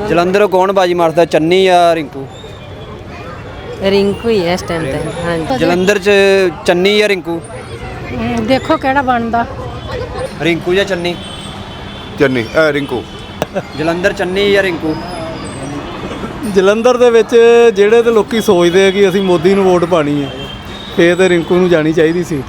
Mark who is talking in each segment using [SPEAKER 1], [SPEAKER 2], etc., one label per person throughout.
[SPEAKER 1] ਜਲੰਧਰ ਕੌਣ ਬਾਜੀ ਮਾਰਦਾ, ਚੰਨੀ ਜਾਂ ਰਿੰਕੂ?
[SPEAKER 2] ਰਿੰਕੂ ਹੀ ਹੈ ਇਸ ਟਾਈਮ ਤੇ। ਹਾਂਜੀ
[SPEAKER 1] ਜਲੰਧਰ 'ਚ ਚੰਨੀ ਜਾਂ ਰਿੰਕੂ?
[SPEAKER 2] ਦੇਖੋ ਕਿਹੜਾ ਬਣਦਾ।
[SPEAKER 1] ਰਿੰਕੂ ਜਾਂ ਚੰਨੀ?
[SPEAKER 3] ਚੰਨੀ ਰਿੰਕੂ।
[SPEAKER 1] ਜਲੰਧਰ ਚੰਨੀ ਜਾਂ ਰਿੰਕੂ?
[SPEAKER 4] ਜਲੰਧਰ ਦੇ ਵਿੱਚ ਜਿਹੜੇ ਤੇ ਲੋਕੀ ਸੋਚਦੇ ਆ ਕਿ ਅਸੀਂ ਮੋਦੀ ਨੂੰ ਵੋਟ ਪਾਣੀ ਹੈ, ਫੇਰ ਤੇ ਰਿੰਕੂ ਨੂੰ ਜਾਣੀ ਚਾਹੀਦੀ ਸੀ।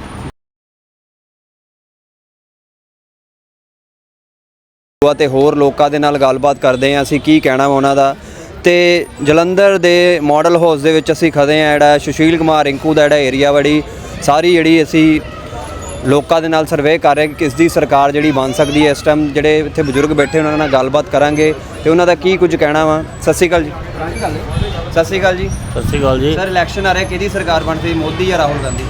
[SPEAKER 1] ਤੇ ਹੋਰ ਲੋਕਾਂ ਦੇ ਨਾਲ ਗੱਲਬਾਤ ਕਰਦੇ ਹਾਂ ਅਸੀਂ, ਕੀ ਕਹਿਣਾ ਵਾ ਉਹਨਾਂ ਦਾ। ਤੇ ਜਲੰਧਰ ਦੇ ਮਾਡਲ ਹਾਊਸ ਦੇ ਵਿੱਚ ਅਸੀਂ ਖੜੇ ਹਾਂ। ਜਿਹੜਾ ਸੁਸ਼ੀਲ ਕੁਮਾਰ ਰਿੰਕੂ ਦਾ ਜਿਹੜਾ ਏਰੀਆ ਬੜੀ ਸਾਰੀ ਜਿਹੜੀ ਅਸੀਂ ਲੋਕਾਂ ਦੇ ਨਾਲ ਸਰਵੇ ਕਰ ਰਹੇ ਕਿ ਕਿਸ ਦੀ ਸਰਕਾਰ ਜਿਹੜੀ ਬਣ ਸਕਦੀ ਹੈ। ਇਸ ਟਾਈਮ ਜਿਹੜੇ ਇੱਥੇ ਬਜ਼ੁਰਗ ਬੈਠੇ ਉਹਨਾਂ ਨਾਲ ਗੱਲਬਾਤ ਕਰਾਂਗੇ ਤੇ ਉਹਨਾਂ ਦਾ ਕੀ ਕੁਝ ਕਹਿਣਾ ਵਾ। ਸਤਿ ਸ਼੍ਰੀ ਅਕਾਲ ਜੀ। ਸਤਿ ਸ਼੍ਰੀ ਅਕਾਲ ਜੀ।
[SPEAKER 5] ਸਤਿ ਸ਼੍ਰੀ ਅਕਾਲ ਜੀ।
[SPEAKER 1] ਸਰ ਇਲੈਕਸ਼ਨ ਆ ਰਿਹਾ, ਕਿਹਦੀ ਸਰਕਾਰ ਬਣਦੀ, ਮੋਦੀ ਜਾਂ ਰਾਹੁਲ ਗਾਂਧੀ?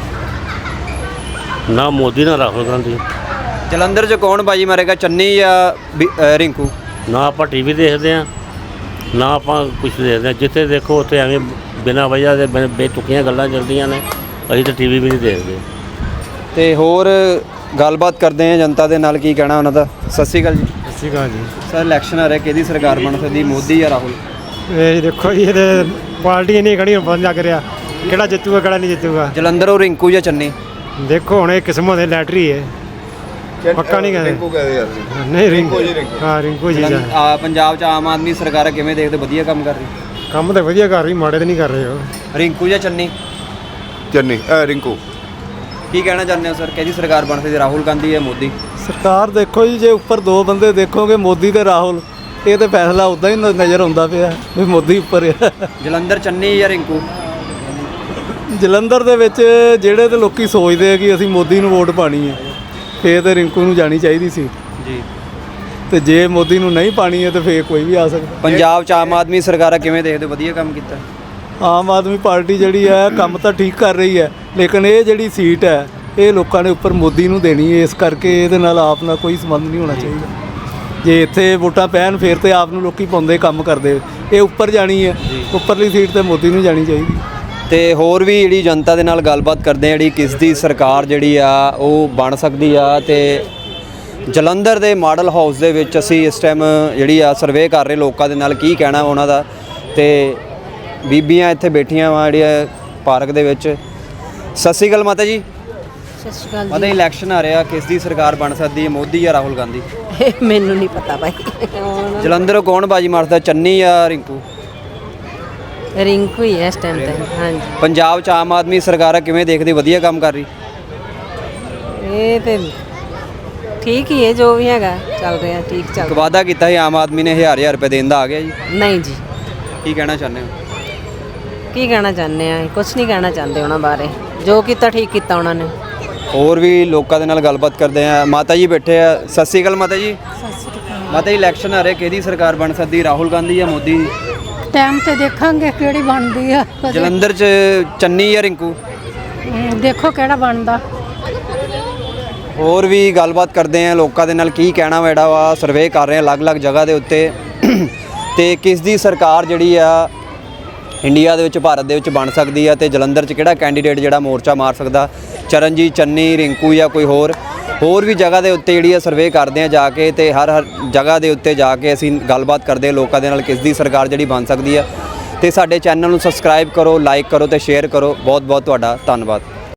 [SPEAKER 5] ਨਾ ਮੋਦੀ ਨਾ ਰਾਹੁਲ ਗਾਂਧੀ।
[SPEAKER 1] ਜਲੰਧਰ 'ਚ ਕੌਣ ਬਾਜੀ ਮਾਰੇਗਾ, ਚੰਨੀ ਜਾਂ ਰਿੰਕੂ?
[SPEAKER 5] ਨਾ ਆਪਾਂ ਟੀਵੀ ਦੇਖਦੇ ਹਾਂ, ਨਾ ਆਪਾਂ ਕੁਝ ਦੇਖਦੇ ਹਾਂ। ਜਿੱਥੇ ਦੇਖੋ ਉੱਥੇ ਐਵੇਂ ਬਿਨਾਂ ਵਜ੍ਹਾ ਦੇ ਬੇਤੁਕੀਆਂ ਗੱਲਾਂ ਚੱਲਦੀਆਂ ਨੇ। ਅਸੀਂ ਤਾਂ ਟੀਵੀ ਵੀ ਨਹੀਂ ਦੇਖਦੇ।
[SPEAKER 1] ਤੇ ਹੋਰ ਗੱਲਬਾਤ ਕਰਦੇ ਹਾਂ ਜਨਤਾ ਦੇ ਨਾਲ, ਕੀ ਕਹਿਣਾ ਉਹਨਾਂ ਦਾ। ਸਤਿ ਸ਼੍ਰੀ ਅਕਾਲ ਜੀ।
[SPEAKER 4] ਸਤਿ ਸ਼੍ਰੀ ਅਕਾਲ ਜੀ।
[SPEAKER 1] ਸਰ ਇਲੈਕਸ਼ਨ ਆ ਰਿਹਾ, ਕਿਹਦੀ ਸਰਕਾਰ ਬਣ ਸਕਦੀ, ਮੋਦੀ ਜਾਂ ਰਾਹੁਲ?
[SPEAKER 4] ਇਹ ਦੇਖੋ ਜੀ, ਇਹਦੇ ਪਾਰਟੀ ਨਹੀਂ ਖੜੀ, ਹੁਣ ਪਤਾ ਲੱਗ ਰਿਹਾ ਕਿਹੜਾ ਜਿੱਤੂਗਾ ਕਿਹੜਾ ਨਹੀਂ ਜਿੱਤੂਗਾ।
[SPEAKER 1] ਜਲੰਧਰੋਂ ਰਿੰਕੂ ਜਾਂ ਚੰਨੀ?
[SPEAKER 4] ਦੇਖੋ ਹੁਣ ਇਹ ਕਿਸਮਤ ਦੀ ਲੈਟਰੀ ਹੈ, ਪੱਕਾ ਨਹੀਂ ਕਹਿੰਦੇ।
[SPEAKER 3] ਰਿੰਕੂ ਕਹਦੇ ਯਾਰ।
[SPEAKER 4] ਨਹੀਂ ਰਿੰਕੂ ਜੀ, ਹਾਂ ਰਿੰਕੂ ਜੀ।
[SPEAKER 1] ਪੰਜਾਬ 'ਚ ਆਮ ਆਦਮੀ ਸਰਕਾਰ ਹੈ, ਕਿਵੇਂ ਦੇਖਦੇ, ਵਧੀਆ ਕੰਮ ਕਰ ਰਹੀ?
[SPEAKER 4] ਕੰਮ ਤਾਂ ਵਧੀਆ ਕਰ ਰਹੀ, ਮਾੜੇ ਤਾਂ ਨਹੀਂ ਕਰ ਰਹੇ ਉਹ।
[SPEAKER 1] ਰਿੰਕੂ ਜਾਂ ਚੰਨੀ?
[SPEAKER 3] ਚੰਨੀ ਰਿੰਕੂ।
[SPEAKER 1] ਕੀ ਕਹਿਣਾ ਚਾਹੁੰਦੇ ਹੋ ਸਰ, ਕਿਹਦੀ ਸਰਕਾਰ ਬਣ ਸਕਦੀ, ਰਾਹੁਲ ਗਾਂਧੀ ਜਾਂ ਮੋਦੀ?
[SPEAKER 4] ਸਰਕਾਰ ਦੇਖੋ ਜੀ, ਜੇ ਉੱਪਰ ਦੋ ਬੰਦੇ ਦੇਖੋਗੇ ਮੋਦੀ ਤੇ ਰਾਹੁਲ, ਇਹ ਤਾਂ ਫੈਸਲਾ ਉੱਦਾਂ ਹੀ ਨਜ਼ਰ ਆਉਂਦਾ ਪਿਆ ਵੀ ਮੋਦੀ ਉੱਪਰ ਆ।
[SPEAKER 1] ਜਲੰਧਰ ਚੰਨੀ ਜਾਂ ਰਿੰਕੂ?
[SPEAKER 4] ਜਲੰਧਰ ਦੇ ਵਿੱਚ ਜਿਹੜੇ ਤੇ ਲੋਕੀ ਸੋਚਦੇ ਆ ਕਿ ਅਸੀਂ ਮੋਦੀ ਨੂੰ ਵੋਟ ਪਾਣੀ ਹੈ, ਫੇਰ ਤੇ ਰਿੰਕੂ ਨੂੰ ਜਾਣੀ ਚਾਹੀਦੀ ਸੀ
[SPEAKER 1] ਜੀ।
[SPEAKER 4] ਤੇ ਜੇ ਮੋਦੀ ਨੂੰ ਨਹੀਂ ਪਾਣੀ ਹੈ ਤੇ ਫੇਰ ਕੋਈ ਵੀ ਆ ਸਕਦਾ।
[SPEAKER 1] ਪੰਜਾਬ 'ਚ ਆਮ ਆਦਮੀ ਸਰਕਾਰ ਹੈ, ਕਿਵੇਂ ਦੇਖਦੇ, ਵਧੀਆ ਕੰਮ ਕੀਤਾ?
[SPEAKER 4] ਆਮ ਆਦਮੀ ਪਾਰਟੀ ਜਿਹੜੀ ਹੈ ਕੰਮ ਤਾਂ ਠੀਕ ਕਰ ਰਹੀ ਹੈ, ਲੇਕਿਨ ਇਹ ਜਿਹੜੀ ਸੀਟ ਹੈ ਇਹ ਲੋਕਾਂ ਨੇ ਉੱਪਰ ਮੋਦੀ ਨੂੰ ਦੇਣੀ ਹੈ, ਇਸ ਕਰਕੇ ਇਹਦੇ ਨਾਲ ਆਪ ਨਾਲ ਕੋਈ ਸੰਬੰਧ ਨਹੀਂ ਹੋਣਾ ਚਾਹੀਦਾ। ਜੇ ਇੱਥੇ ਵੋਟਾਂ ਪੈਣ ਫੇਰ ਤੇ ਆਪ ਨੂੰ ਲੋਕੀ ਪਾਉਂਦੇ ਕੰਮ ਕਰਦੇ, ਇਹ ਉੱਪਰ ਜਾਣੀ ਹੈ, ਉੱਪਰਲੀ ਸੀਟ ਤੇ ਮੋਦੀ ਨੂੰ ਜਾਣੀ ਚਾਹੀਦੀ।
[SPEAKER 1] ਤੇ ਹੋਰ ਵੀ ਜਿਹੜੀ ਜਨਤਾ ਦੇ ਨਾਲ ਗੱਲਬਾਤ ਕਰਦੇ ਆ, ਜਿਹੜੀ ਕਿਸ ਦੀ ਸਰਕਾਰ ਜਿਹੜੀ ਆ ਉਹ ਬਣ ਸਕਦੀ ਆ। ਤੇ ਜਲੰਧਰ ਦੇ ਮਾਡਲ ਹਾਊਸ ਦੇ ਵਿੱਚ ਅਸੀਂ ਇਸ ਟਾਈਮ ਜਿਹੜੀ ਆ ਸਰਵੇ ਕਰ ਰਹੇ ਲੋਕਾਂ ਦੇ ਨਾਲ, ਕੀ ਕਹਿਣਾ ਉਹਨਾਂ ਦਾ। ਤੇ ਬੀਬੀਆਂ ਇੱਥੇ ਬੈਠੀਆਂ ਵਾ ਜਿਹੜੀਆਂ ਪਾਰਕ ਦੇ ਵਿੱਚ। ਸਤਿ ਸ਼੍ਰੀ ਅਕਾਲ ਮਾਤਾ ਜੀ।
[SPEAKER 2] ਸਤਿ ਸ਼੍ਰੀ ਅਕਾਲ
[SPEAKER 1] ਮਾਤਾ, ਇਲੈਕਸ਼ਨ ਆ ਰਿਹਾ, ਕਿਸ ਦੀ ਸਰਕਾਰ ਬਣ ਸਕਦੀ ਹੈ, ਮੋਦੀ ਜਾਂ ਰਾਹੁਲ ਗਾਂਧੀ?
[SPEAKER 2] ਜੀ। ਮੈਨੂੰ ਨਹੀਂ ਪਤਾ ਭਾਈ।
[SPEAKER 1] ਜਲੰਧਰ ਕੌਣ ਬਾਜੀ ਮਾਰਦਾ, ਚੰਨੀ ਜਾਂ ਰਿੰਕੂ?
[SPEAKER 2] ਰਿੰਕੂ ਹੀ ਹੈ ਇਸ ਟਾਈਮ ਤੇ। ਹਾਂਜੀ
[SPEAKER 1] ਪੰਜਾਬ 'ਚ ਆਮ ਆਦਮੀ ਸਰਕਾਰ ਹੈ, ਕਿਵੇਂ ਦੇਖਦੇ, ਵਧੀਆ ਕੰਮ ਕਰ ਰਹੀ?
[SPEAKER 2] ਇਹ ਤੇ ਠੀਕ ਹੀ ਹੈ, ਜੋ ਵੀ ਹੈਗਾ ਚੱਲ ਰਿਹਾ, ਠੀਕ ਚੱਲ
[SPEAKER 1] ਇੱਕ ਵਾਅਦਾ ਕੀਤਾ ਸੀ ਆਮ ਆਦਮੀ ਨੇ, 1000 ਰੁਪਏ ਦੇਣ ਦਾ, ਆ ਗਿਆ ਜੀ?
[SPEAKER 2] ਨਹੀਂ ਜੀ।
[SPEAKER 1] ਕੀ ਕਹਿਣਾ ਚਾਹੁੰਦੇ ਹੋ?
[SPEAKER 2] ਕੀ ਕਹਿਣਾ ਚਾਹੁੰਦੇ ਆ, ਕੁਝ ਨਹੀਂ ਕਹਿਣਾ ਚਾਹੁੰਦੇ ਉਹਨਾਂ ਬਾਰੇ, ਜੋ ਕੀਤਾ ਠੀਕ ਕੀਤਾ ਉਹਨਾਂ ਨੇ।
[SPEAKER 1] ਹੋਰ ਵੀ ਲੋਕਾਂ ਦੇ ਨਾਲ ਗੱਲਬਾਤ ਕਰਦੇ ਆ। ਮਾਤਾ ਜੀ ਬੈਠੇ ਆ। ਸਤਿ ਸ਼੍ਰੀ ਅਕਾਲ ਮਾਤਾ ਜੀ।
[SPEAKER 2] ਸਤਿ ਸ਼੍ਰੀ ਅਕਾਲ।
[SPEAKER 1] ਮਾਤਾ ਜੀ ਇਲੈਕਸ਼ਨ ਆ ਰਿਹਾ, ਕਿਹਦੀ ਸਰਕਾਰ ਬਣ ਸਕਦੀ, ਰਾਹੁਲ ਗਾਂਧੀ ਜਾਂ ਮੋਦੀ?
[SPEAKER 2] ਟਾਈਮ ਤੇ ਦੇਖਾਂਗੇ ਕਿਹੜੀ ਬਣਦੀ ਆ।
[SPEAKER 1] ਜਲੰਧਰ 'ਚ ਚੰਨੀ ਜਾਂ ਰਿੰਕੂ?
[SPEAKER 2] ਦੇਖੋ ਕਿਹੜਾ ਬਣਦਾ।
[SPEAKER 1] ਹੋਰ ਵੀ ਗੱਲਬਾਤ ਕਰਦੇ ਆ ਲੋਕਾਂ ਦੇ ਨਾਲ, ਕੀ ਕਹਿਣਾ ਵਾ, ਜਿਹੜਾ ਵਾ ਸਰਵੇ ਕਰ ਰਹੇ ਆ ਅਲੱਗ-ਅਲੱਗ ਜਗ੍ਹਾ ਦੇ ਉੱਤੇ। ਤੇ ਕਿਸ ਦੀ ਸਰਕਾਰ ਜਿਹੜੀ ਆ ਇੰਡੀਆ ਦੇ ਵਿੱਚ, ਭਾਰਤ ਦੇ ਵਿੱਚ ਬਣ ਸਕਦੀ ਆ। ਤੇ ਜਲੰਧਰ 'ਚ ਕਿਹੜਾ ਕੈਂਡੀਡੇਟ ਜਿਹੜਾ ਮੋਰਚਾ ਮਾਰ ਸਕਦਾ, ਚਰਨਜੀਤ, ਚੰਨੀ, ਰਿੰਕੂ ਜਾਂ ਕੋਈ ਹੋਰ ਵੀ ਜਗ੍ਹਾ ਦੇ ਉੱਤੇ ਜਿਹੜੀ ਆ ਸਰਵੇ ਕਰਦੇ ਆ ਜਾ ਕੇ। ਤੇ ਹਰ ਜਗ੍ਹਾ ਦੇ ਉੱਤੇ ਜਾ ਕੇ ਅਸੀਂ ਗੱਲਬਾਤ ਕਰਦੇ ਆ ਲੋਕਾਂ ਦੇ ਨਾਲ, ਕਿਸ ਦੀ ਸਰਕਾਰ ਜਿਹੜੀ ਬਣ ਸਕਦੀ ਆ। ਤੇ ਸਾਡੇ ਚੈਨਲ ਨੂੰ ਸਬਸਕ੍ਰਾਈਬ ਕਰੋ, ਲਾਈਕ ਕਰੋ ਤੇ ਸ਼ੇਅਰ ਕਰੋ। ਬਹੁਤ ਬਹੁਤ ਤੁਹਾਡਾ ਧੰਨਵਾਦ।